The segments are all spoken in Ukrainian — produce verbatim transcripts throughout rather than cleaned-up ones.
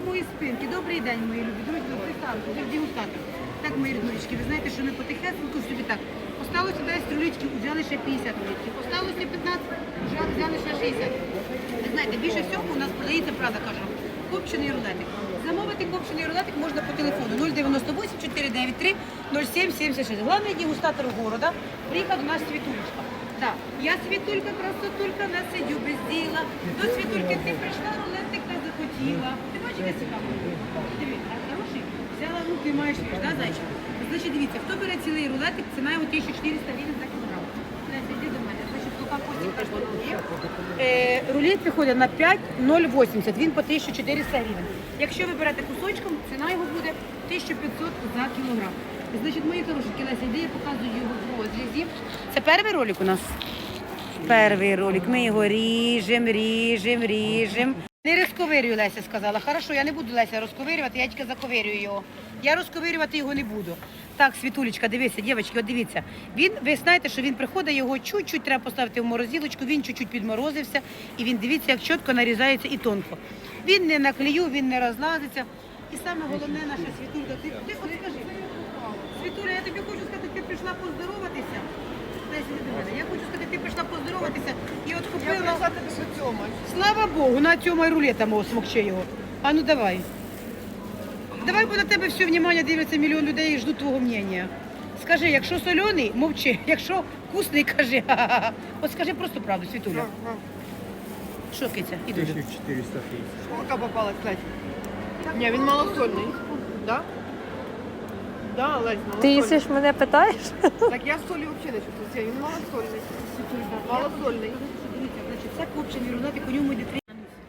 самої спинки. Добрий день, мої любі. Друзі, представте, вже дегустатор. Так, мої ріднички, ви знаєте, що ми потихесеньку собі так. Осталося десять рулетиків, взяли ще п'ятдесят рулетиків. Осталося п'ятнадцять, вже взяли ще шістдесят. Ви знаєте, більше всього у нас продається, правда кажу, копчений рулетик. Замовити копчений рулетик можна по телефону нуль дев'яносто вісім чотири дев'ять три нуль сім сімдесят шість. Головний дегустатор города приїхав до нас Світулечка. Так, я Світулька, красотулька, не сидю без діла. До Світульки ти прийшла, рулетик не захотіла. Ти бачиш, яка цікава? Дивіться, хороший? Взяла, ну ти маєш, да, зайчик? Значить, дивіться, хто бере цілий рулетик, ціна його тисяча чотириста гривень за кілограм. Леся, йди до мене. Значить, поки Костік каже, е, рулет приходить на п'ять ноль вісімдесят, він по тисяча чотириста гривень. Якщо ви берете кусочком, ціна його буде тисяча п'ятсот за кілограм. Значить, мої хорошенькі, Леся, йди, я показую його в розрізі. Це перший ролик у нас? Перший ролик. Ми його ріжемо, ріжемо, ріжемо. Не розковирюю, Леся сказала. Хорошо, я не буду, Леся, розковирювати, я тільки заковирюю його. Я розковирювати його не буду. Так, Світулечка, дивіться, дівчатки, от дивіться. Він, ви знаєте, що він приходить, його чуть-чуть треба поставити в морозилочку, він чуть-чуть підморозився, і він, дивіться, як чітко нарізається і тонко. Він не на клею, він не розлазиться. І саме головне, наша Світулька, ти, ти от скажи, Світуля, я тобі хочу сказати, ти прийшла поздороватися. Дайся до мене. Я хочу сказати, ти прийшла поздороватися і от купила. Я прийшла тебе що цьомать. Слава Богу, на цьому рулета мого смокче його. А ну давай. Давай, бо на тебе все внимання дивиться мільйон людей і ждуть твого мнення. Скажи, якщо соляний, мовчи. Якщо вкусний, кажи. Ха-ха-ха. От скажи просто правду, Світуля. Що, киця? Іду. тисяча чотириста тридцать. Шкурка попала, кстати. Ні, він малосольний. Да? Да, Лесь, Ти малосольний. їсиш мене питаєш? Так я солі взагалі не чувствую. Він малосольний. Малосольний. Дивіться, значить, це копчений рулетик, у ньому йде три.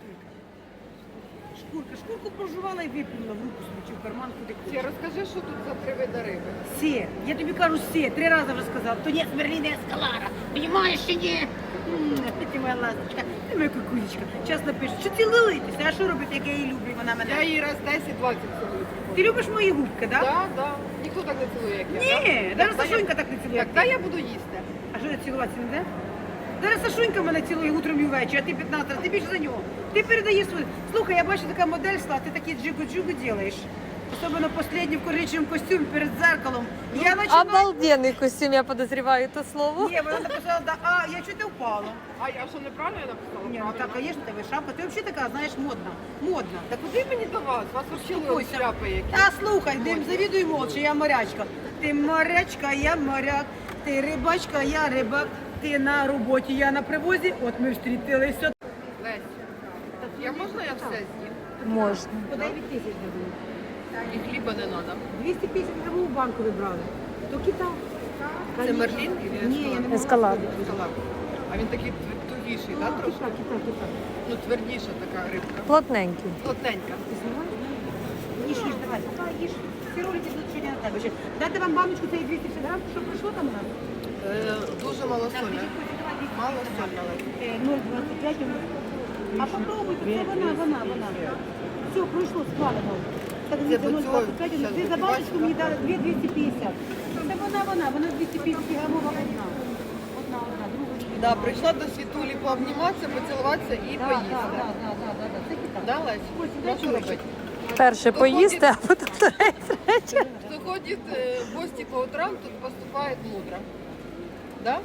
Шкурка, шкурку прожувала і виплюнула в руку собі, чи в карман, куди Ще хочеш. розкажи, що тут за три види риби. Сє, я тобі кажу сє, три рази вже сказала. То ні, Смерліна Ескалара, понімаєш чи ні? М, Ти моя ласточка, ти моя кукулечка. Часто пише, що цілуєтеся, а що робити, як я її люблю, вона мене. Я її раз десять-двадцять цілую. Ти любиш мої губки, так? Да? Так, так. Ніхто так не цілує, як я. Ні, да? навіть Так, Сашунька я- так не цілує. Так, та я буду їсти. А що я цілуватися не де? Зараз Сашунька мене цілує утром і ввечері, а ти п'ятнадцять разів, ти більше за нього. Ти передаєш свою. Слухай, я бачу, така модель стала, ти такі джигу-джигу робиш. Особливо останній в коричневому костюмі перед зеркалом. Я починаю... Обалденний костюм, я подозріваю то слово. Ні, вона написала, да, а я чуть не впала. А я що, неправильно я написала? Ні, ну так, Правильно. звісно, тебе шапка. Ти взагалі така, знаєш, модна. Модна. Та куди мені до вас? Вас вчили Успокойся. шляпи які. Та слухай, дим, завідуй молча, я морячка. Ти морячка, я моряк. Ти рибачка, я рибак. Ти на роботі, я на привозі. От ми встрітилися. Лесь, я можна я все з'їм? Можна. По дев'ять тисяч дадуть. І хліба не треба. двісті п'ятдесят гривень у банку вибрали. То кита. Це мерлін? Ні, я не могла Ескалад. сказати. Салат. А він такий твер- тугіший, так, Ну, трошки? кита, кита, кита. Ну, твердіша така рибка. Плотненький. Плотненька. Ти знімаєш? Їж, їж, давай, пока їж. Всі ролики будуть сьогодні на тебе. Ще дати вам баночку цієї двісті п'ятдесят грам, що прийшло там у нас? Е, дуже малосольна. Малосольна. Е, нуль двадцять п'ять. А попробуйте, це вона, вона, вона. Все, пройшло, схвалено. Так, Це нуль двадцять п'ять. щас Ти за буде баночку бачити. мені дали дві двісті п'ятдесят. Це вона, вона, вона двісті п'ятдесят грамова одна. Одна, одна, друга. Да, прийшла до Світулі пообніматися, поцілуватися і Да, поїсти. да, да, да, да, да, да. Це кита. Да, Лесь? Ось, Ну, дай що чоловічок. робити? Перше поїсти, а потім третє. Хто ходить е, в гості по утрам, тут поступає мудро. Да?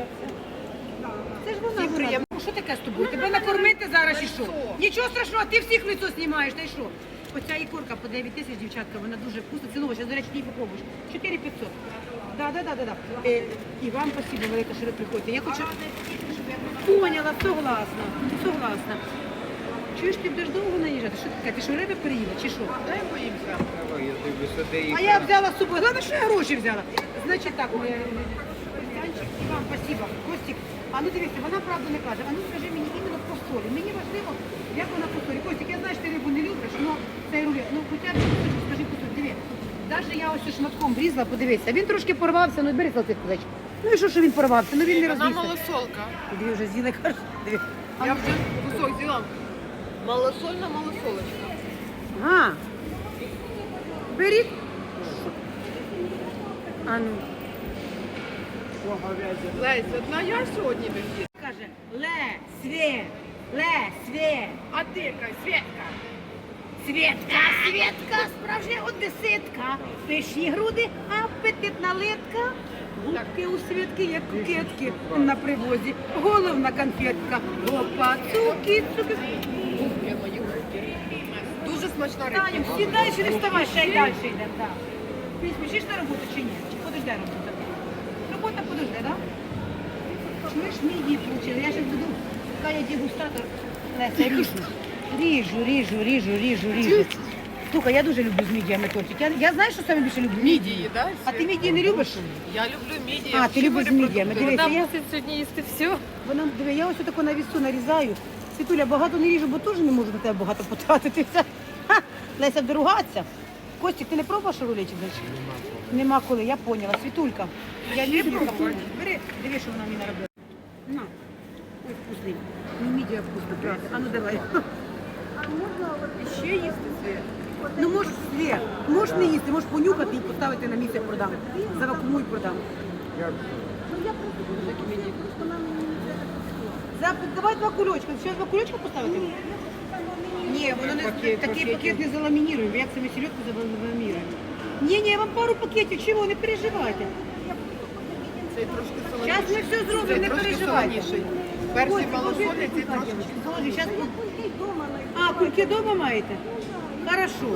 Це ж вона, Всім вона. приємно. Ну, що таке з тобою? Тебе накормити зараз і що? Лицо. Нічого страшного, ти всіх лицо знімаєш, та й що? Оця ікорка по дев'ять тисяч, дівчатка, вона дуже вкусна. Цілова, зараз, до речі, її попробуєш. чотири п'ятсот. Да, да, да, да, да. Е, і вам спасибо велике, що ви приходите. Я хочу... Поняла, согласна, согласна. Чуєш, ти будеш довго наїжджати? Що таке? Ти що, риби переїла, чи що? Дай боїмося. Я дивлюся, де їх. А я взяла з собою. Главное, що я гроші взяла. Значить так, моя Костянчик, і вам спасибо. Костік, а ну дивіться, вона правду не каже. А ну скажи мені іменно по солі. Мені важливо, як вона по солі. Костік, я знаю, що ти рибу не любиш, але цей рулет. Ну, хоча б кусочок, скажи по солі. Диви. Навіть я ось шматком врізала, подивися. Він трошки порвався, ну бери салфетку, зайчик. Ну і що, що він порвався? Ну він не Вона розвівся. малосолка. Диви, вже з'їли, каже. Диви. Я вже кусок взяла. Малосольна малосолочка. А, беріть. А ну. Лесь, одна я сьогодні не їду. Каже, ле, свє, ле, свє. А ти яка, Свєтка? Світка, Світка, справжня одеситка. Пишні груди, апетитна литка. Губки у Світки, як кукетки на привозі. Головна конфетка. Опа, цуки, цуки. Губки мої губки. Дуже смачна рибка. Таню, сідай, ще не вставай, ще й далі йдемо. Да. Ти спішиш на роботу чи ні? Чи подожде робота? Робота подожде, так? Да? Чуєш, мідії получили? Я ще буду, Кая дегустатор. Леся, ріжу. Ріжу, ріжу, ріжу, ріжу, ріжу. Слухай, я дуже люблю з мідіями тортик. Я, я знаю, що саме більше люблю? Мідії, так? А ти мідії не любиш? Я люблю мідії. А, ти любиш з мідіями. Дивись, Вона я, мусить сьогодні їсти все. вона, диви, я ось таку на вісу нарізаю. Світуля, багато не ріжу, бо теж не можу на тебе багато потратитися. Ха, Леся, доругатися. Костік, ти не пробував шарулечик, значить? Нема коли, я поняла. Світулька, я не пробувала. Бери, диви, що вона мені наробила. На. Ой, вкусний. Ну, мідія вкусна, правда. А ну давай. Ще їсти світ. Ну, можеш, Свє, можеш не їсти, можеш понюхати і поставити на місце продам. Завакумуй продам. За, давай два кульочка. Ще два кульочка поставити? Ні, воно не, Пакет, такий пакетик. пакет не заламініруємо. Як це ми сільотку заламіруємо? Ні, ні, я вам пару пакетів, чого, не переживайте. Цей трошки солоніший. Зараз ми все зробимо, Цей не трошки переживайте. солоніший. Перший Ой, малосольний, положи, цей положи, трошечки. положи, щас ми- А, кульки дома маєте? Хорошо.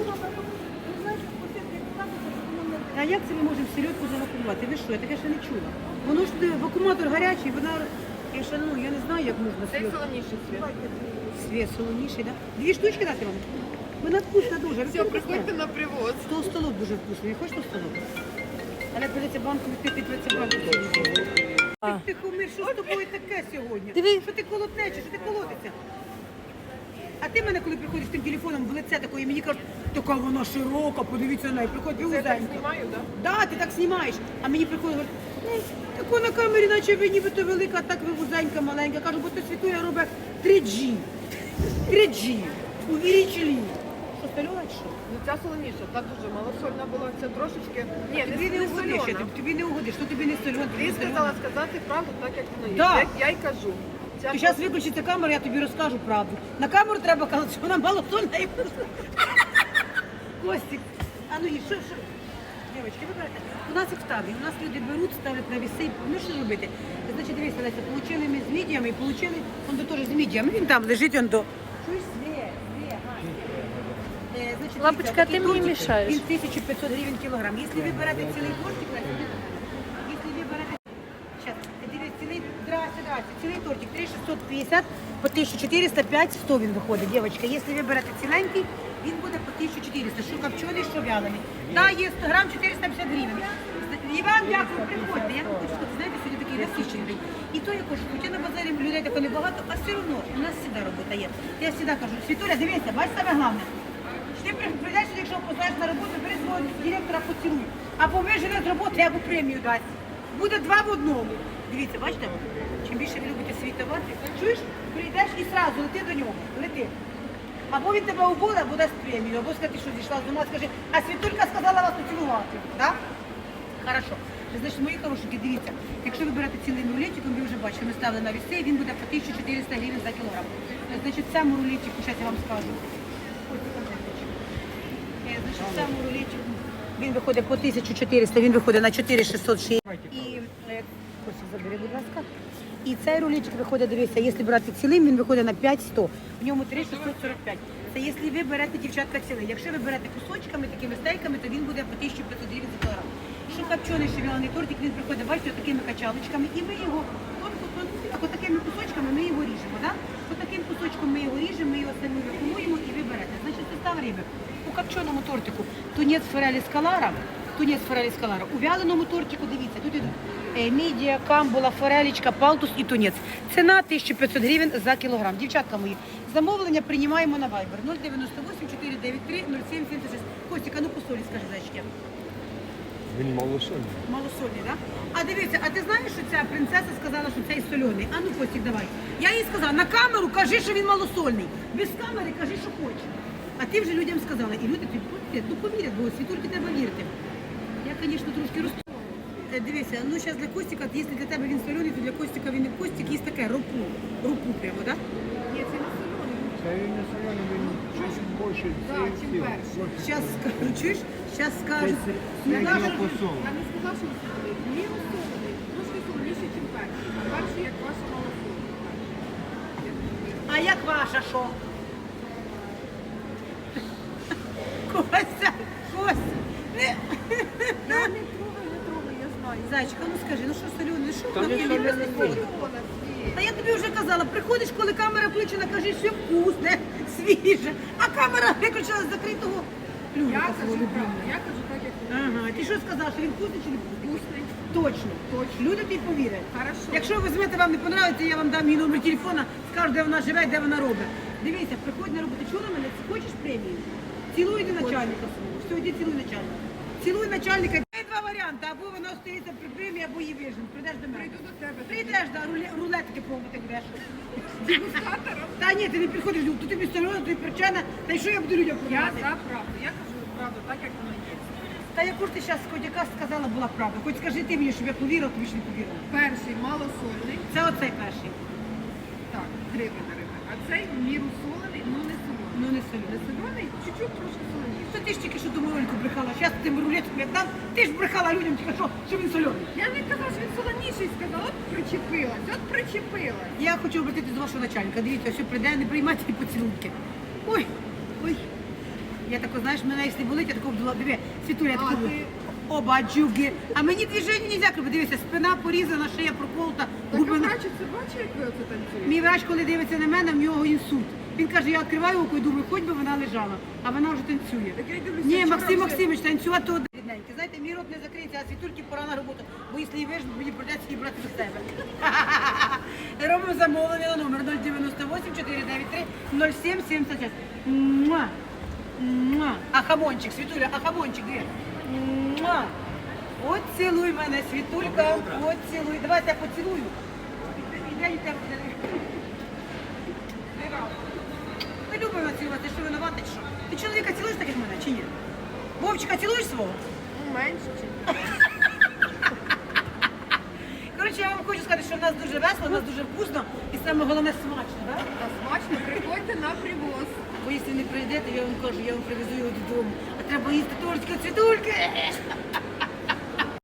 А як це ми можемо сільотку завакумувати? Ви що, я таке ще не чула. Воно ж е, вакууматор гарячий, вона, я ще, ну, я не знаю, як можна Цей сільотку. солоніший світ. Світ солоніший, да? Дві штучки дати вам? Вона вкусна дуже. Все, приходьте на привоз. Сто столок дуже вкусний. Хочеш сто столок? Але придеться банку відкрити, придеться банку. А. Ти кумир, що з тобою таке сьогодні? Диви. Що ти колотнечеш, що ти колотиться? А ти мене, коли приходиш з тим телефоном в лице такої, мені кажуть, така вона широка, подивіться на неї, приходь, ви Це я так узенька. знімаю, так? Да, ти так знімаєш. А мені приходить, говорить, ну, тако на камері, наче ви нібито велика, а так ви вузенька, маленька. Кажу, бо ти світує робить три джі. три джі. Увеличили. Що, стальона чи що? Ну ця солоніша, та дуже малосольна була, це трошечки. Ні, Тобі не не угодиш, я сольона. тобі- тобі не угодиш, що тобі не сольон, тобі Ти не сказала сольон. сказати правду так, як воно є. Да. Як я й кажу. Ця Ти зараз виключиться камера, я тобі розкажу правду. На камеру треба казати, що вона малосольна і вкусна. Костік, а ну і що, що? Дівчатки, ви берете. У нас їх в табі, у нас люди беруть, ставлять на віси. Ну що робити? Значить, дивіться, Леся, получили ми з мідіями і получили, он до теж з мідіями. Він там лежить, он до. Чуєш, Свє, Свє, Е, значить, Лапочка, дивіться, ти такий мені тортик, мішаєш. Він тисяча п'ятсот гривень кілограм. Якщо ви берете цілий тортик, Леся, якщо ви берете Сейчас, дивись, цілий, здрасте, здрасте, цілий тортик три тисячі шістсот п'ятдесят, по тисяча чотириста, п'ять сто він виходить, дівчатка. Якщо ви берете ціленький, він буде по тисяча чотириста, що копчений, що вялений. Да, є сто грам чотириста п'ятдесят гривень. І вам дякую, приходьте. Я вам хочу сказати, знаєте, сьогодні такий насичений день. І то я кажу, хоча на базарі людей тако небагато, а все одно у нас завжди робота є. Я завжди кажу, Світуля, дивися, бач саме головне. Ти прийдеш, якщо познаєш на роботу, бери свого директора поцілуй. Або вижене з роботи, або премію дасть. Буде два в одному. Дивіться, бачите? Чим більше ви любите свій товар, чуєш, прийдеш і одразу лети до нього, лети. Або він тебе убуде, або дасть премію, або скажи, що зійшла з ума, скажи, а Світулька сказала вас поцілувати. Так? Хорошо. Значить, мої хорошенькі, дивіться, якщо ви берете цілим рулетиком, ви вже бачите, ми ставили на віси, він буде по тисяча чотириста гривень за кілограм. Значить, цьому рулетику, зараз я вам скажу. Ось така карточка. Е, Значить, цьому рулетику він виходить по тисяча чотириста, він виходить на чотири тисячі шістсот шістдесят. І, е, Костя, забери, будь ласка. І цей рулетик виходить, дивіться, якщо брати цілим, він виходить на п'ять сто. В ньому три тисячі шістсот сорок п'ять. Це якщо ви берете, дівчатка, цілий. Якщо ви берете кусочками, такими стейками, то він буде по тисяча п'ятсот гривень за кілограм. Що копчений, що вялений тортик, він приходить, бачите, такими качалочками, і ми його тонко-тонко, так такими кусочками ми його ріжемо, да? От таким кусочком ми його ріжемо, ми його самі вакуумуємо і ви берете. Значить, состав риби. У копченому тортику тунець форелі скалара, тунець форелі скалара. У вяленому тортику, дивіться, тут ідуть е, мідія, камбула, форелічка, палтус і тунець. Ціна тисяча п'ятсот гривень за кілограм. Дівчатка мої, замовлення приймаємо на Viber нуль дев'яносто вісім чотири дев'ять три нуль сім сімдесят шість. Костіка, ну по солі, скажи, зайчики. Він малосольний. Малосольний, так? Да? А дивіться, а ти знаєш, що ця принцеса сказала, що цей соляний? А ну, Костік, давай. Я їй сказала, на камеру кажи, що він малосольний. Без камери кажи, що хочеш. А ти вже людям сказала. І люди тобі повірять, ну повірять, бо Світульки треба вірити. Я, звісно, трошки росту. Е, Дивися, ну зараз для Костіка, якщо для тебе він соляний, то для Костіка він не Костік, є таке ропу. Ропу прямо, так? Да? Ні, це не соляний. Це він не солений, він щось більше Да, цих чим сил. перший. Більше. Зараз скажу, чуєш? Зараз скажу. Це Ну, як наша- його посол. Я не сказала, що солоний. Міру солоний. Трошки солоніше, ніж перший. А перший, як ваша малосольний. А як ваша що? Костя, Костя. Не- Я не трогай, не трогай, я знаю. Зайчика, ну скажи, ну що солений, що Та воно не тобі солений. не солений? Та я тобі вже казала, приходиш, коли камера включена, кажеш, все вкусне, свіже, а камера виключена з закритого Я плюнка кажу свого правду, любимого. я кажу так, як воно. Ага, ти що сказала, що він вкусний чи не вкусний? Вкусний. Точно, точно. Люди тобі повірять. Хорошо. Якщо ви візьмете, вам не подобається, я вам дам її номер телефона, скажу, де вона живе, де вона робить. Дивіться, приходь на роботу, чула мене, хочеш премію? Цілуй до начальника свого. Все, йди цілуй начальника. Цілуй начальника. Є два варіанти, або вона остається при премії, або її вижен. Прийдеш до мене. Прийду до тебе. Прийдеш, да, руле- рулетки пробувати будеш. Дегустатором. Та ні, ти не приходиш, то тобі стерео, тобі причина, та й що я буду людям Я продавати? за правду. Я кажу правду, так, як воно є. Та яку ж ти зараз, хоч яка сказала, була правда. Хоч скажи ти мені, щоб я повірила, тобі ж не повірила. Перший малосольний. Це оцей перший. Так, гриби на риби. А цей в міру солений, ну не солений. Ну не Не солі. солений, чуть-чуть трошки соленіше. То ти ж тільки що до ролику брехала. Зараз тим рулетом як дам, ти ж брехала людям тільки що, що він сольоний. Я не казала, що він солоніший, сказала, от причепилась, от причепилась. Я хочу обратитися до вашого начальника. Дивіться, все прийде, не приймайте і поцілунки. Ой, ой. Я тако, знаєш, мене якщо болить, я тако обдула. Диви, Світуля, я А, тако. ти- Оба джуги. А мені движення не можна робити. Дивися, спина порізана, шия проколота, Так, губи а на... бачить, це бачить, як ви оце танцюєте? Мій врач, коли дивиться на мене, в нього інсульт. Він каже, я відкриваю око і думаю, хоч би вона лежала, а вона вже танцює. Так я й дивлюся, Ні, вчора Максим вже- Максимович, танцювати то рідненьке. Знаєте, мій рот не закриється, а Світульки пора на роботу, бо якщо її вижу, мені придеться її брати до себе. Робимо замовлення на номер нуль дев'яносто вісім чотири дев'ять три нуль сім сімдесят шість. Муа. Муа. А хамончик, Світуля, а хамончик, де? Муа. От цілуй мене, Світулька, от цілуй. Давайте я поцілую. Іде, іде, іде. Ми любимо цілувати, що винувати, чи що? Ти чоловіка цілуєш так, як мене, чи ні? Вовчика цілуєш свого? Ну, менше, чи Коротше, я вам хочу сказати, що в нас дуже весело, в нас дуже вкусно і саме головне смачно, так? Та смачно, приходьте на привоз. Бо якщо не прийдете, я вам кажу, я вам привезу його додому. А треба їсти тортики, цвітульки.